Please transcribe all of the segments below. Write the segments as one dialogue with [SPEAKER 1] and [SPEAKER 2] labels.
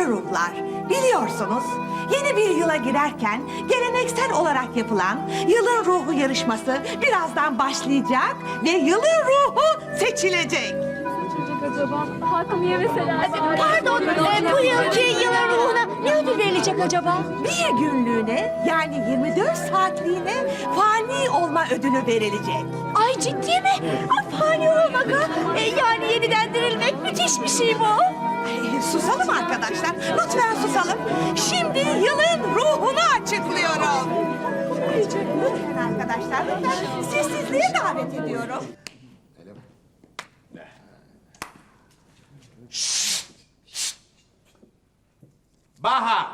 [SPEAKER 1] yüce ruhlar, biliyorsunuz yeni bir yıla girerken geleneksel olarak yapılan yılın ruhu yarışması birazdan başlayacak ve yılın ruhu seçilecek.
[SPEAKER 2] Acaba hakkımı yemeseler.
[SPEAKER 3] Pardon, bu yılki yılın ruhuna ne ödül verilecek acaba?
[SPEAKER 1] Bir günlüğüne yani 24 saatliğine fani olma ödülü verilecek.
[SPEAKER 3] Ay ciddi mi? Ay, fani olmak ha? Yani yeniden dirilmek müthiş bir şey bu.
[SPEAKER 1] Susalım arkadaşlar, lütfen susalım. Şimdi yılın ruhunu açıklıyorum. Lütfen arkadaşlar, lütfen sessizliğe davet ediyorum.
[SPEAKER 4] Baha,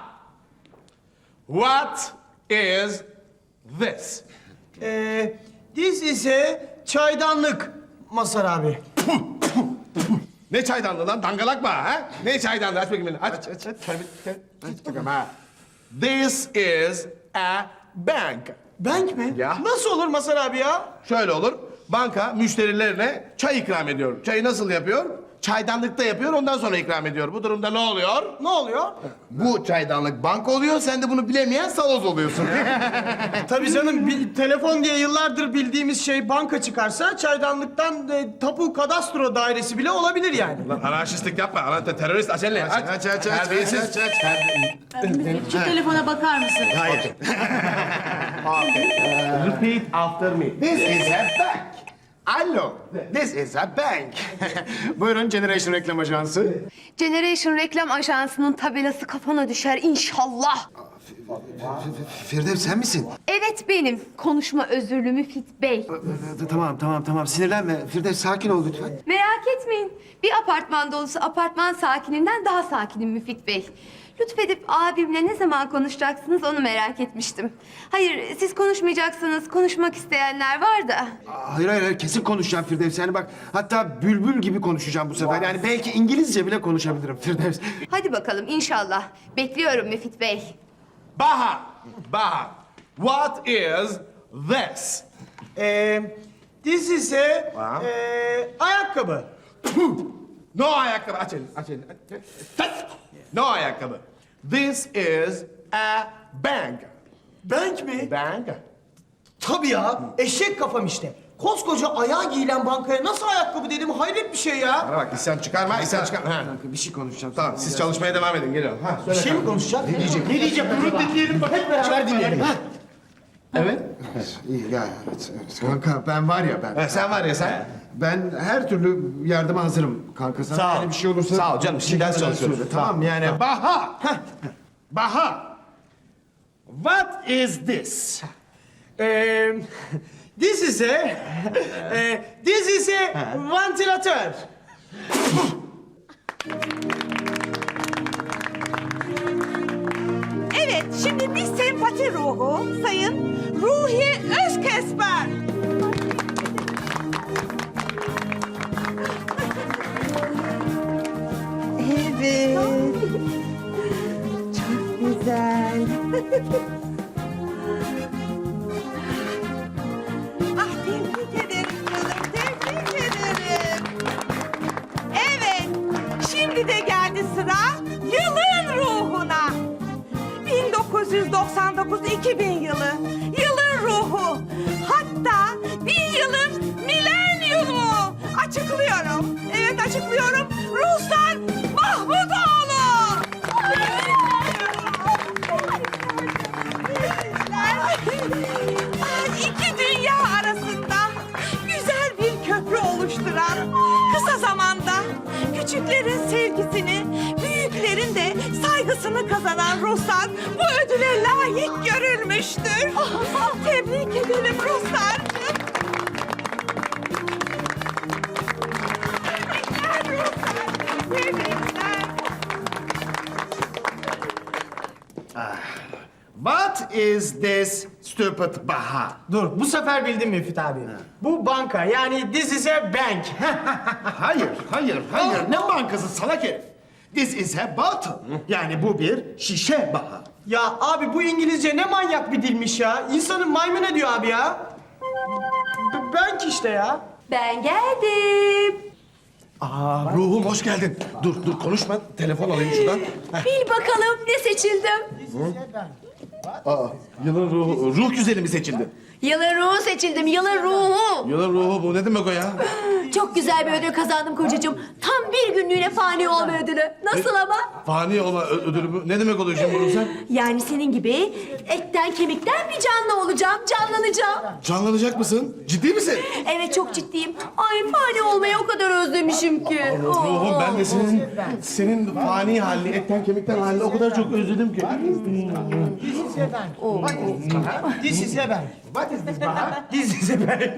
[SPEAKER 4] what is this?
[SPEAKER 5] This is a çaydanlık Mazhar abi.
[SPEAKER 4] Ne çaydanlığı lan? Dangalak mı ha? Ne çaydanlığı? Aç bakayım beni. Aç. Aç bakalım ha. This is a bank.
[SPEAKER 5] Bank mi?
[SPEAKER 4] Ya.
[SPEAKER 5] Nasıl olur Mazhar abi ya?
[SPEAKER 4] Şöyle olur. Banka müşterilerine çay ikram ediyor. Çayı nasıl yapıyor? Çaydanlıkta yapıyor, ondan sonra ikram ediyor. Bu durumda ne oluyor?
[SPEAKER 5] Ne oluyor?
[SPEAKER 4] Bu çaydanlık banka oluyor, sen de bunu bilemeyen saloz oluyorsun.
[SPEAKER 5] Tabii canım, telefon diye yıllardır bildiğimiz şey banka çıkarsa çaydanlıktan tapu kadastro dairesi bile olabilir yani.
[SPEAKER 4] Lan anarşistlik yapma, terörist aç elini. Aç. Terbiyesiz.
[SPEAKER 3] Şu telefona bakar mısın?
[SPEAKER 4] Hayır. Repeat after me.
[SPEAKER 6] This is a bank. Alo, this is a bank. Buyurun Generation Reklam Ajansı.
[SPEAKER 7] Generation Reklam Ajansı'nın tabelası kafana düşer inşallah.
[SPEAKER 6] Firdevs sen misin?
[SPEAKER 7] Evet benim. Konuşma özürlü Müfit Bey.
[SPEAKER 6] Tamam. Sinirlenme. Firdevs sakin ol lütfen.
[SPEAKER 7] Merak etmeyin. Bir apartman dolusu apartman sakininden daha sakinim Müfit Bey. Lütfedip abimle ne zaman konuşacaksınız onu merak etmiştim. Hayır, siz konuşmayacaksınız. Konuşmak isteyenler var da.
[SPEAKER 6] Hayır, kesin konuşacağım Firdevs. Yani bak, hatta bülbül gibi konuşacağım bu sefer. Yani belki İngilizce bile konuşabilirim Firdevs.
[SPEAKER 7] Hadi bakalım inşallah. Bekliyorum Müfit Bey.
[SPEAKER 4] Baha, what is this?
[SPEAKER 5] This is a ayakkabı.
[SPEAKER 4] No ayakkabı, aç elini. No ayakkabı. This is a bank.
[SPEAKER 5] Bank mi?
[SPEAKER 4] Bank?
[SPEAKER 5] Tabii ya, eşek kafam işte. Koskoca ayağa giyilen bankaya nasıl ayakkabı dedim, hayret bir şey ya.
[SPEAKER 4] Bana bak, isyan çıkarma. Ha.
[SPEAKER 6] Bir şey konuşacağım.
[SPEAKER 4] Tamam, siz çalışmaya devam edin, geliyorum. Ha,
[SPEAKER 5] Bir
[SPEAKER 4] söyle.
[SPEAKER 5] şey mi konuşacak? Ne diyecek? Bunu dinleyelim, bak hep beraber dinleyelim. Ha.
[SPEAKER 6] İyi ya, evet. Kanka ben var ya ben.
[SPEAKER 4] Sen var ya sen.
[SPEAKER 6] Ben her türlü yardıma hazırım kanka. Sana
[SPEAKER 4] Sağ ol.
[SPEAKER 6] yani bir şey olursa...
[SPEAKER 4] Sağ ol canım, şimdi ders çalışıyoruz.
[SPEAKER 6] Söyle, tamam yani.
[SPEAKER 4] Baha, what is this?
[SPEAKER 5] This is a vantilatör.
[SPEAKER 1] Evet, şimdi bir sempati ruhu Sayın Ruhi Özkesper. Evet. Çok güzel. Ah, tebrik ederim canım, tebrik ederim. Evet, şimdi de geldi sıra yılın ruhuna. 1999-2000 yılı, yılın ruhu. Hatta bir yılın milenyumu. Açıklıyorum. Evet, açıklıyorum. Ruslar Mahmutoğlu. İki dünya arasında güzel bir köprü oluşturan, kısa zamanda küçüklerin sevgisini, büyüklerin de saygısını kazanan Ruslar bu ödüle layık görülmüştür. Tebrik ederim Ruslarcığım. Tebrikler Ruslar, tebrikler.
[SPEAKER 6] What is this stupid Baha?
[SPEAKER 5] Dur, bu sefer bildim Müfit abi. Bu banka, yani this is a bank.
[SPEAKER 6] Hayır. Ne bankası salak herif? This is a bottle. Yani bu bir şişe Baha.
[SPEAKER 5] Ya abi, bu İngilizce ne manyak bir dilmiş ya. İnsanın maymun ediyor abi ya. Bank işte ya.
[SPEAKER 7] Ben geldim.
[SPEAKER 4] Ruhum hoş geldin. Dur konuşma. Telefon alayım şuradan.
[SPEAKER 3] Bil bakalım ne seçildim.
[SPEAKER 4] Yılın ruhu. Ruh güzeli mi seçildi?
[SPEAKER 3] Yılın ruhu seçildim, yılın ruhu.
[SPEAKER 4] Yılın ruhu bu. Ne demek o ya?
[SPEAKER 3] Çok güzel bir ödül kazandım kocacığım. Tam bir günlüğüne fani olma ödülü. Nasıl ama?
[SPEAKER 4] Fani olma ödülü mü? Ne demek oluyor şimdi bunu sen?
[SPEAKER 3] Yani senin gibi etten kemikten bir canlı olacağım, canlanacağım.
[SPEAKER 4] Canlanacak mısın? Ciddi misin?
[SPEAKER 3] Evet çok ciddiyim. Ay fani olmayı o kadar özlemişim ki.
[SPEAKER 4] Ruhum ben de senin fani halini, etten kemikten halini o kadar çok özledim ki.
[SPEAKER 5] This is a bank. What is this Baha? This is a bank.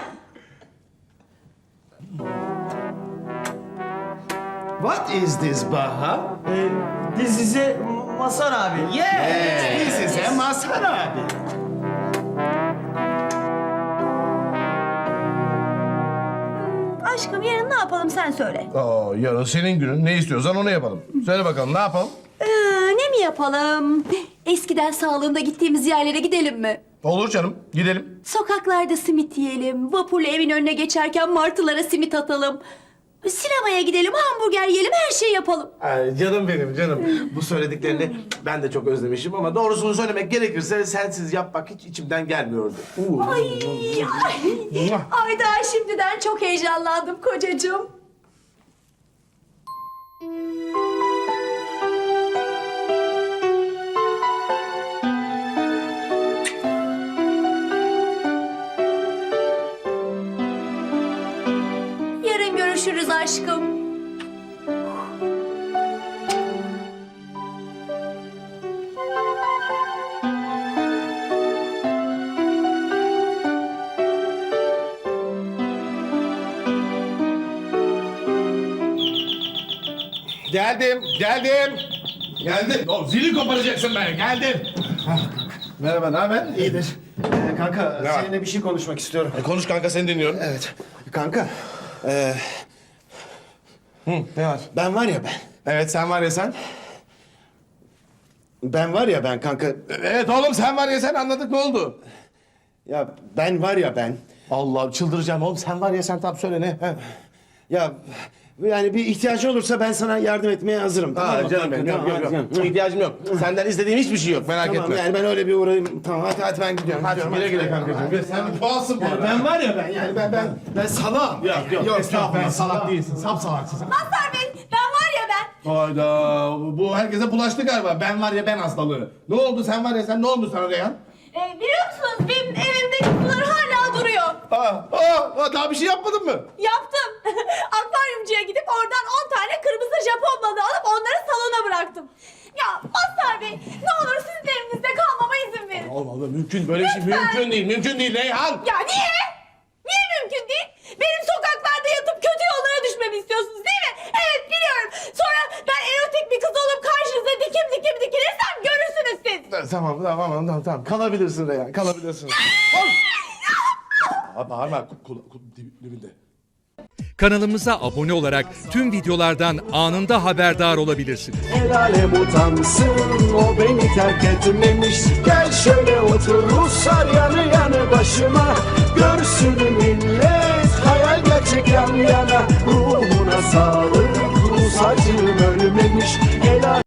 [SPEAKER 6] What is this Baha?
[SPEAKER 5] This is a Masar abi.
[SPEAKER 6] Yes, this is a Mazhar abi.
[SPEAKER 3] Aşkım yarın ne yapalım sen söyle.
[SPEAKER 4] Yarın senin günün. Ne istiyorsan onu yapalım. Söyle bakalım ne yapalım?
[SPEAKER 3] Ne mi yapalım? Eskiden sağlığında gittiğimiz yerlere gidelim mi?
[SPEAKER 4] Olur canım. Gidelim.
[SPEAKER 3] Sokaklarda simit yiyelim. Vapurla evin önüne geçerken martılara simit atalım. Sinemaya gidelim, hamburger yiyelim, her şey yapalım.
[SPEAKER 4] Ay, canım benim canım. Bu söylediklerini ben de çok özlemişim ama doğrusunu söylemek gerekirse sensiz yapmak hiç içimden gelmiyordu.
[SPEAKER 3] Ay daha şimdiden çok heyecanlandım kocacığım. Yarın görüşürüz aşkım.
[SPEAKER 4] Geldim. Geldim. Zili koparacaksın ben. Geldim. Merhaba, ne haber?
[SPEAKER 6] İyidir. Kanka
[SPEAKER 4] Ne var?
[SPEAKER 6] seninle bir şey konuşmak istiyorum.
[SPEAKER 4] Konuş kanka, seni dinliyorum.
[SPEAKER 6] Evet. Kanka.
[SPEAKER 4] Ne var?
[SPEAKER 6] Ben var ya ben.
[SPEAKER 4] Evet, sen var ya sen.
[SPEAKER 6] Ben var ya ben kanka.
[SPEAKER 4] Evet oğlum, sen var ya sen, anladık, ne oldu?
[SPEAKER 6] Ya ben var ya ben.
[SPEAKER 4] Allah, çıldıracağım oğlum, sen var ya sen, tam söyle ne? He.
[SPEAKER 6] Ya yani bir ihtiyacın olursa ben sana yardım etmeye hazırım. Tamam mı
[SPEAKER 4] Canım
[SPEAKER 6] kanka?
[SPEAKER 4] benim,
[SPEAKER 6] Tamam, hadi
[SPEAKER 4] yok.
[SPEAKER 6] canım.
[SPEAKER 4] İhtiyacım yok. Senden istediğim hiçbir şey yok, merak
[SPEAKER 6] Tamam
[SPEAKER 4] etme.
[SPEAKER 6] yani ben öyle bir uğrayayım. Tamam hadi ben gidiyorum.
[SPEAKER 4] Hadi
[SPEAKER 6] gidiyorum,
[SPEAKER 4] güle güle kankacığım. Sen bir puansın bu arada.
[SPEAKER 6] Ben var ya ben yani ben salağım.
[SPEAKER 4] Yok, estağfurullah, salak değilsin, sapsalaksın sen.
[SPEAKER 3] Mazhar Bey, ben var ya ben.
[SPEAKER 4] Hayda, bu herkese bulaştı galiba. Ben var ya ben hastalığı. Ne oldu, sen var ya sen, ne oldu sana Reyhan?
[SPEAKER 3] Biliyor musunuz benim evimdeki kutular hala duruyor.
[SPEAKER 4] Daha bir şey yapmadın mı?
[SPEAKER 3] Yaptım. Akvaryumcuya gidip oradan 10 tane kırmızı Japon balığı alıp onları salona bıraktım. Ya Mazhar Bey ne olur sizin evinizde kalmama izin verin.
[SPEAKER 4] Allah mümkün, böyle bir şey mümkün değil Reyhan.
[SPEAKER 3] Ya niye? Niye mümkün değil? Benim sokaklarda yatıp kötü yollara düşmemi istiyorsunuz değil mi? Evet biliyorum. Sonra ben erotik bir kız olup karşınıza dikim dikilirsem görürsünüz siz.
[SPEAKER 4] Tamam. Kalabilirsin Reyhan, kalabilirsin. Bağırma, dibinde.
[SPEAKER 8] Kanalımıza abone olarak tüm videolardan anında haberdar olabilirsiniz.
[SPEAKER 9] El alem utansın, o beni terk etmemiş. Gel şöyle otur Ruslar yanı yanı başıma. Görsün millet hayal gerçek yan yana. Ruhuna sağlık.